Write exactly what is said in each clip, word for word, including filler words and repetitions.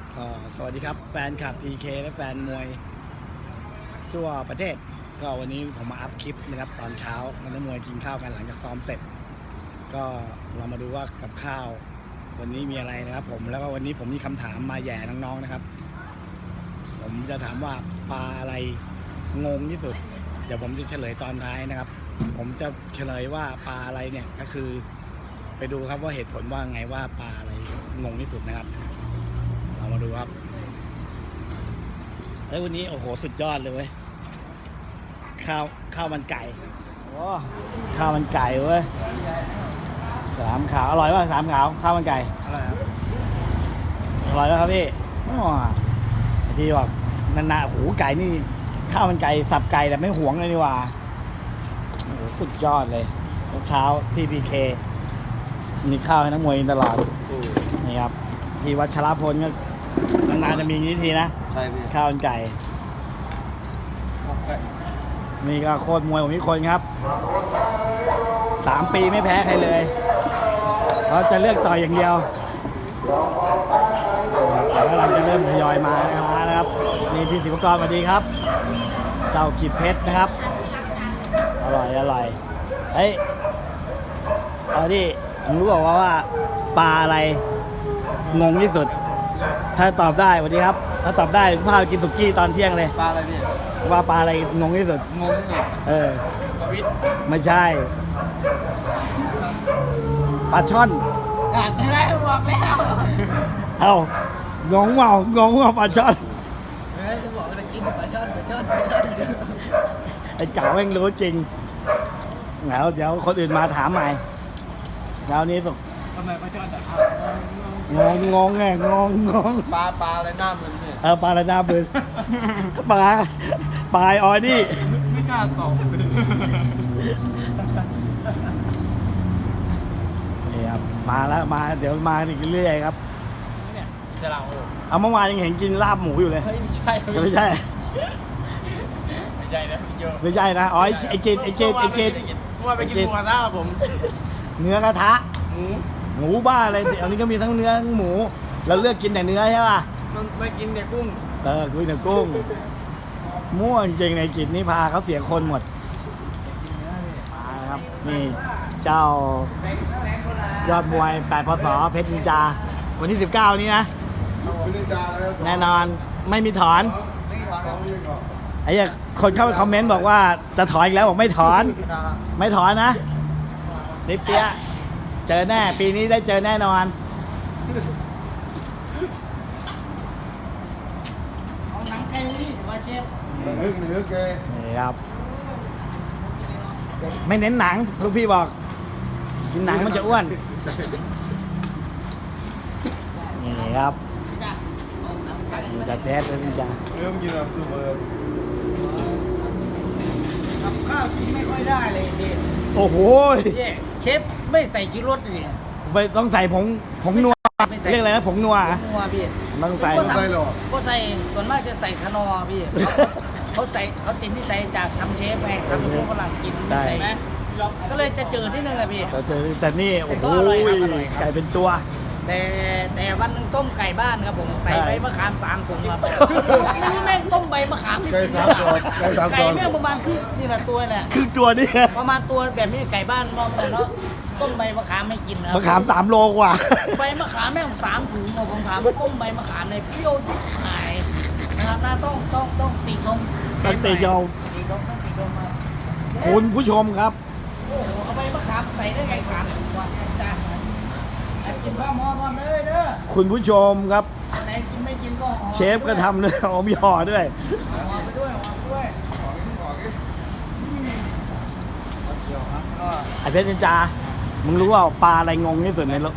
ก็สวัสดีครับแฟนคลับ พี เค และแฟนมวยทั่วประเทศก็วันนี้ผมมาอัพคลิปนะครับตอนเช้ามันนักมวยกินข้าวกันหลังจากซ้อมเสร็จก็เรามาดูว่ากับข้าววันนี้มีอะไรนะครับผมแล้วก็วันนี้ผมมีคำถามมาแย่น้องๆนะครับผมจะถามว่าปลาอะไรงงที่สุดเดี๋ยวผมจะเฉลยตอนท้ายนะครับผมจะเฉลยว่าปลาอะไรเนี่ยก็คือไปดูครับว่าเหตุผลว่าไงว่าปลาอะไรงงที่สุดนะครับเรามาดูครับเฮ้ยวันนี้โอ้โหสุดยอดเลยเว้ยข้าวข้าวมันไก่โอ้ข้าวมันไก่เว้ยสามขาวอร่อยป่ะสามขาวข้าวมันไก่อร่อยครับอร่อยแล้วครับพี่อ๋อที่บอกนานๆหูไก่นี่ข้าวมันไก่สับไก่แต่ไม่หวงเลยนี่ว่าโอ้โหสุดยอดเลยเช้าที่ พี เค มีข้าวให้นักมวยตลอดนี่ครับที่วัชรพลก็นานๆจะมีนี้ทีนะใช่พี่ข้าวมันไก่นี่ก็โคตรมวยผมมีคนครับสามปีไม่แพ้ใครเลยเพราะจะเลือกต่อยอย่างเดียวแล้วเราจะเริ่มทยอยมานะครับนี่พี่ศิวกรสวัสดีครับเจ้ากิจเพชรนะครับอร่อยอร่อยเฮ้ยเอาดิผมรู้บอกว่าว่าปลาอะไรงงที่สุดถ้าตอบได้สวัสดีครับถ้าตอบได้ผมพาไปกินสุกี้ตอนเที่ยงเลยปลาอะไรพี่ว่าปลาอะไรงงที่สุดงงที่สุดเออปลาวิทไม่ใช่ปลาช่อนอ่านไม่ได้บอกแล้วเอ้างงเปล่างงว่าปลาช่อนเฮ้ยจะบอกว่าจะกินปลาช่อนปลาช่อนปลาช่อนไอ้เก่าแม่งรู้จริงแล้วเดี๋ยวคนอื่นมาถามใหม่แล้วนี้สุกทำไมปลาช่อนแต่งงงงไงงงงงปลาปลาอะไรหน้ามึนเนี่ยเออปลาอะไรหน้ามึนปลาปลาออยนี่ไม่กล้าตอบนี่ครับมาแล้วมาเดี๋ยวมาอีกเรื่อยๆครับเนี่ยจะเราเอาเมื่อวานยังเห็นกินลาบหมูอยู่เลยไม่ใช่ไม่ใช่ไม่ใช่นะพี่โยไม่ใช่นะอ๋อไอ้เกดไอ้เกดไอ้เกดว่าไปกินหมูกระทะผมเนื้อกระทะหมูหมูบ้าอะไรอันนี้ก็มีทั้งเนื้อหมูเราเลือกกินแต่เนื้อใช่ป่ะมันไม่กินแต่กุ้งเออกินแต่กุ้งม่วงจริงในจิตนี่พาเขาเสียคนหมดมาครับนี่เจ้ายอดมวยแปดพศเพชรนินจาวันที่สิบเก้านี้นะแน่นอนไม่มีถอนไอ้คนเข้าไปคอมเมนต์บอกว่าจะถอนอีกแล้วบอกไม่ถอนไม่ถอนนะนิเปียเจอแน่ปีนี้ได้เจอแน่นอนเอาหนังไก่นี่ว่าเชฟเนื้อแกนี่ครับไม่เน้นหนังลูกพี่บอกกินหนังมันจะอ้วนนี่ครับมันจะแท้เลยพี่จ๋าเริ่มกินแบบซูเปอร์กับข้าวกินไม่ค่อยได้เลยพี่โอ้โหเชฟไม่ใส่ชูรสเลยไม่ต้องใส่ผงผงนัวเรียกอะไรนะผงนัวนัวพี่ต้องใส่ก็ใส่หรอก็ใส่ส่วนมากจะใส่คนอพี่เขาใส่เขาติดที่ใส่จากทำเชฟไงทำพวกฝรั่งกินไม่ใส่นะก็เลยจะจืดนิดนึงอะพี่แต่นี่โอ้โหไก่เป็นตัวแต่แต่วันนึงต้มไก่บ้านครับผมใส่ใบมะขามสามถุงครับไม่รู้แม่งต้มใบมะขามไก่สามตัวไก่แม่งประมาณคือนี่แหละตัวแหละคือตัวนี่ประมาณตัวแบบนี้ไก่บ้านมองเลยเนาะต้มใบมะขามไม่กินนะมะขามสามโลกว่าใบมะขามแม่งสามถุงผมถามว่าต้มใบมะขามในเปรี้ยวหายนะครับน่าต้องต้องต้องตีชมต้องตีชมตีชมต้องตีชมมาคุณผู้ชมครับโอ้โหเอาใบมะขามใส่ได้ไงสามถุงวันจานกินข้าวหม้อก่อนเลยเด้อคุณผู้ชมครับไหนกินไม่กินก็ห่อเชฟก็ทำเลยเอามีห่อด้วยห่อไปด้วยห่อไปด้วยไอเพชรนินจามึงรู้ว่าปลาอะไรงงที่สุดในโลก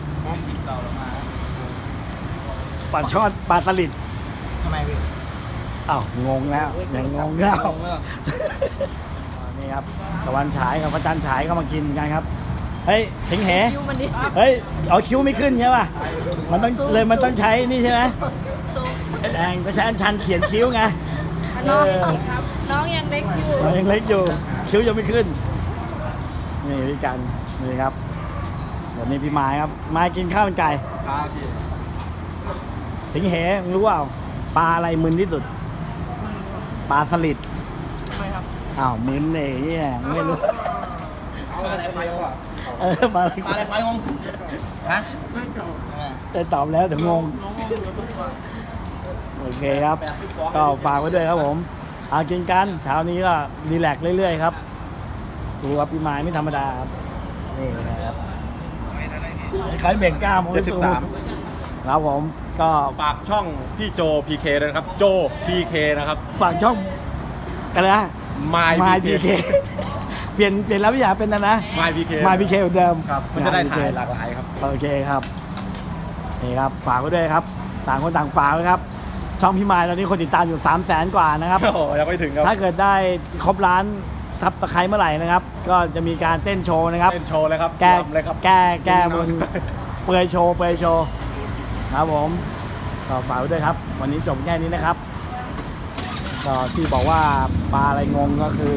ปลาช่อนปลาตลิดทำไมพี่อ้าวงงแล้วยังงงแล้วนี่ครับตะวันฉายกับพระจันทร์ฉายก็มากินกันครับเฮ้ยถิงเหเฮ้ยเอาคิ้วไม่ขึ้นใช่ป่ะมันต้องเลยมันต้องใช้นี่ใช่ไหมแดงก็ใช้อันชันเขียนคิ้วไงน้องน้องยังเล็กอยู่น้องยังเล็กอยู่คิ้วยังไม่ขึ้นนี่พี่กันนี่ครับวันนี้พี่ไม้ครับมากินข้าวมันไก่ครับพี่สิงเหมึงรู้เปล่าปลาอะไรมึนที่สุดปลาสลิดไม่ครับอ้าวมึนเองเนี่ยไม่รู้ปลาอะไรไฟงงเออปลาอะไรปลาอะไรไฟงงฮะแต่ตอบแล้วเดี๋ยวงงน้องงงอยู่ตัวโอเคครับ ก็ฝากไว้ด้วยครับผมอากินกันเช้านี้ก็รีแลกซ์เรื่อยๆครับดูครับพี่ไม้ไม่ธรรมดาครับนี่นะครับใครเบ่งกล้ามเจ็ดสิบสามครับผมก็ฝากช่องพี่โจ พี เค ด้วยนะครับ โจ พี เค นะครับฝากช่องกันนะ My มายพีพีเคเคเปลี่ยนเปลี่ยนแล้วพี่อยากเป็นนะนะ My พี เคมายพีเคเหมือนเดิมครับ มันจะได้ My ถ่ายพีหลากหลายครับโอเคครับนี่ครับฝากไว้ด้วยครับ ต่างคนต่างฝากไว้ครับ ช่องพี่มายตอนนี้คนติดตามอยู่สามแสนกว่านะครับโอ้โหยังไม่ถึงครับถ้าเกิดได้ครบล้านทับตะไคร้เมื่อไหร่นะครับ ก็จะมีการเต้นโชว์นะครับเต้นโชว์เลยครับแก้รำเลยครับแก้แก้บนเปลือยโชว์เปลือยโชว์ครับผมก็ฝากไว้ด้วยครับ วันนี้จบแค่นี้นะครับก็ที่บอกว่าปลาอะไรงงก็คือ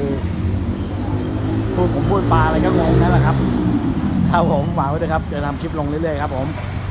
พูดผมพูดปลาอะไรก็งงนั่นแหละครับครับผมฝากไว้ด้วยครับจะทำคลิปลงเรื่อยๆครับผม